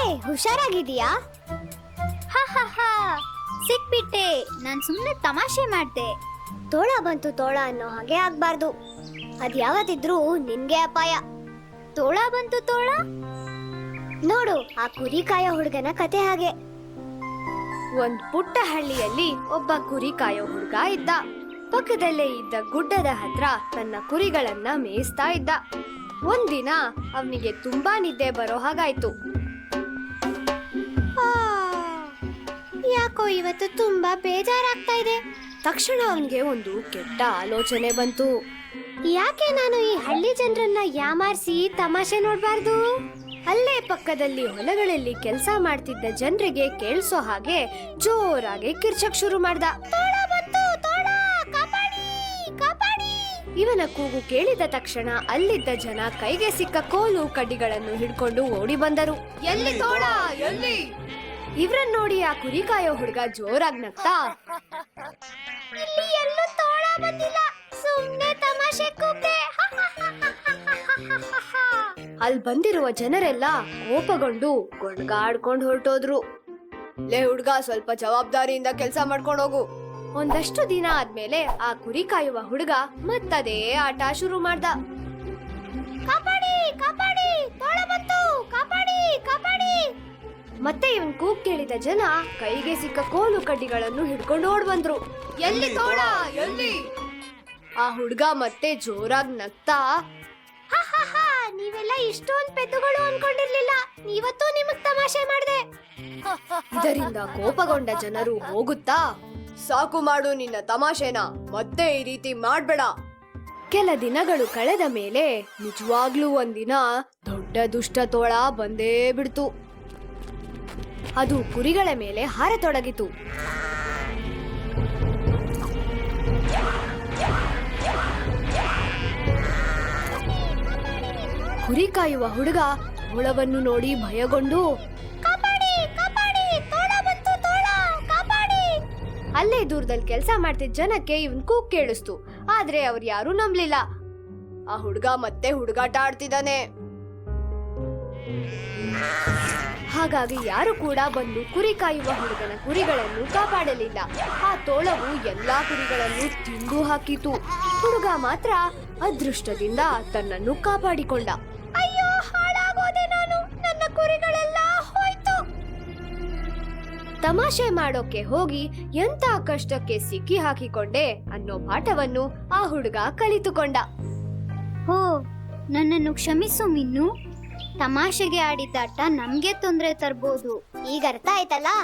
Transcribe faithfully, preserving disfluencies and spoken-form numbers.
ಹುಷಾರಾಗಿದೀಯಾ? ಹಾ ಹಾ ಹಾ ಸಿಕ್ಬಿಟ್ಟೆ. ನಾನ್ ಸುಮ್ನೆ ತಮಾಷೆ ಮಾಡ್ದೆ. ತೋಳ ಬಂತು ತೋಳ ಅನ್ನೋ ಹಾಗೆ ಆಗ್ಬಾರ್ದು. ಅದ್ ಯಾವತ್ತಿದ್ರೂ ನಿನ್ಗೆ ಅಪಾಯ. ತೋಳ ಬಂತು ತೋಳ. ನೋಡು ಆ ಕುರಿ ಕಾಯೋ ಹುಡುಗನ ಕತೆ ಹಾಗೆ. ಒಂದ್ ಪುಟ್ಟ ಹಳ್ಳಿಯಲ್ಲಿ ಒಬ್ಬ ಕುರಿ ಕಾಯೋ ಹುಡುಗ ಇದ್ದ. ಪಕ್ಕದಲ್ಲೇ ಇದ್ದ ಗುಡ್ಡದ ಹತ್ರ ತನ್ನ ಕುರಿಗಳನ್ನ ಮೇಯಿಸ್ತಾ ಇದ್ದ. ಒಂದಿನ ಅವನಿಗೆ ತುಂಬಾ ನಿದ್ದೆ ಬರೋ ಹಾಗಾಯ್ತು. ಯಾಕೋ ಇವತ್ತು ತುಂಬಾ ಬೇಜಾರಾಗ್ತಾ ಇದೆ. ತಕ್ಷಣ ಅವನಿಗೆ ಒಂದು ಕೆಟ್ಟ ಆಲೋಚನೆ ಬಂತು. ಯಾಕೆ ನಾನು ಈ ಹಳ್ಳಿ ಜನರನ್ನ ಯಾಮಾರಿಸಿ ತಮಾಷೆ ನೋಡ್ಬಾರ್ದು? ಅಲ್ಲೇ ಪಕ್ಕದಲ್ಲಿ ಹೊಲಗಳಲ್ಲಿ ಕೆಲಸ ಮಾಡ್ತಿದ್ದ ಜನರಿಗೆ ಕೇಳಿಸೋ ಹಾಗೆ ಜೋರಾಗಿ ಕಿರ್ಚಕ್ ಶುರು ಮಾಡ್ದ. ಇವನ ಕೂಗು ಕೇಳಿದ ತಕ್ಷಣ ಅಲ್ಲಿದ್ದ ಜನ ಕೈಗೆ ಸಿಕ್ಕ ಕೋಲು ಕಡ್ಡಿಗಳನ್ನು ಹಿಡ್ಕೊಂಡು ಓಡಿ ಬಂದರು. ಎಲ್ಲಿ ತೋಳ ಎಲ್ಲಿ? ಇವ್ರನ್ನ ನೋಡಿ ಆ ಕುರಿ ಕಾಯೋ ಹುಡುಗ ಜೋರಾಗಿ ನಗ್ತಾ, ಇಲ್ಲಿ ಎಲ್ಲೂ ತೋಳ ಬಂದಿಲ್ಲ, ಸುಮ್ನೆ ತಮಾಷೆ ಕೂಗ್ದೆ. ಅಲ್ಲಿ ಬಂದಿರುವ ಜನರೆಲ್ಲ ಕೋಪಗೊಂಡು ಗೊಣ್ಗಾಡ್ಕೊಂಡು ಹೊರಟೋದ್ರು. ಲೇ ಹುಡ್ಗ, ಸ್ವಲ್ಪ ಜವಾಬ್ದಾರಿಯಿಂದ ಕೆಲಸ ಮಾಡ್ಕೊಂಡು ಹೋಗು. ಒಂದಷ್ಟು ದಿನ ಆದ್ಮೇಲೆ ಆ ಕುರಿ ಕಾಯುವ ಹುಡುಗ ಮತ್ತದೇ ಆಟ ಶುರು ಮಾಡ್ದ. ಕಾಪಾಡಿ ಕಾಪಾಡಿ, ತೋಳ ಬಂತು, ಕಾಪಾಡಿ ಕಾಪಾಡಿ. ಮತ್ತೆ ಇವನ್ ಕೂಗ್ ಕೇಳಿದ ಜನ ಕೈಗೆ ಸಿಕ್ಕ ಕೋಲು ಕಡ್ಡಿಗಳನ್ನು ಹಿಡ್ಕೊಂಡು ಓಡ್ ಬಂದ್ರು. ಎಲ್ಲಿ ತೋಳ ಎಲ್ಲಿ? ಆ ಹುಡ್ಗ ಮತ್ತೆ ಜೋರಾಗಿ ನಗ್ತಾ, ನೀವೆಲ್ಲ ಇಷ್ಟೊಂದ್ ಪೆದ್ದುಗಳು ಅನ್ಕೊಂಡಿರ್ಲಿಲ್ಲ, ಇವತ್ತು ನಿಮಗ್ ತಮಾಷೆ ಮಾಡ್ದೆ. ಇದರಿಂದ ಕೋಪಗೊಂಡ ಜನರು ಹೋಗುತ್ತಾ, ಸಾಕು ಮಾಡು ನಿನ್ನ ತಮಾಷೆನ, ಮತ್ತೆ ಈ ರೀತಿ ಮಾಡ್ಬೇಡ. ಕೆಲ ದಿನಗಳು ಕಳೆದ ಮೇಲೆ ನಿಜವಾಗ್ಲೂ ಒಂದಿನ ದೊಡ್ಡ ದುಷ್ಟ ತೋಳ ಬಂದೇ ಬಿಡ್ತು. ಅದು ಕುರಿಗಳ ಮೇಲೆ ಹಾರತೊಡಗಿತು. ಕುರಿ ಕಾಯುವ ಹುಡುಗ ಹುಳವನ್ನು ನೋಡಿ ಭಯಗೊಂಡು, ಕಾಪಾಡಿ ಕಾಪಾಡಿ, ತೋಳ ಬಂತು, ತೋಳ ಕಾಪಾಡಿ. ಅಲ್ಲೇ ದೂರದಲ್ಲಿ ಕೆಲಸ ಮಾಡ್ತಿದ್ದ ಜನಕ್ಕೆ ಇವನ್ ಕೂಗ್ ಕೇಳಿಸ್ತು. ಆದ್ರೆ ಅವ್ರು ಯಾರು ನಂಬ್ಲಿಲ್ಲ. ಆ ಹುಡುಗ ಮತ್ತೆ ಹುಡುಗಾಟ ಆಡ್ತಿದ್ದಾನೆ. ಹಾಗಾಗಿ ಯಾರು ಕೂಡ ಬಂದು ಕುರಿ ಕಾಯುವ ಹುಡುಗನ ಕುರಿಗಳನ್ನು ಕಾಪಾಡಲಿಲ್ಲ. ಆ ತೋಳವು ಎಲ್ಲಾ ಕುರಿಗಳನ್ನು ತಿಂದು ಹಾಕಿತು. ಹುಡುಗ ಮಾತ್ರ ಅದೃಷ್ಟದಿಂದ ತನ್ನನ್ನು ಕಾಪಾಡಿಕೊಂಡ. ಅಯ್ಯೋ, ಹಾಳಾಗೋದೆ ನಾನು, ನನ್ನ ಕುರಿಗಳೆಲ್ಲ ಹೋಯ್ತು. ತಮಾಷೆ ಮಾಡೋಕೆ ಹೋಗಿ ಎಂತ ಕಷ್ಟಕ್ಕೆ ಸಿಕ್ಕಿ ಹಾಕಿಕೊಂಡೆ ಅನ್ನೋ ಪಾಠವನ್ನು ಆ ಹುಡುಗ ಕಲಿತುಕೊಂಡ. ಹೋ, ನನ್ನನ್ನು ಕ್ಷಮಿಸು ಮಿನ್ನು. ತಮಾಷೆಗೆ ಆಡಿದ್ದಾಟ ನಮ್ಗೆ ತೊಂದರೆ ತರ್ಬೋದು. ಈಗ ಅರ್ಥ ಆಯ್ತಲ್ಲ?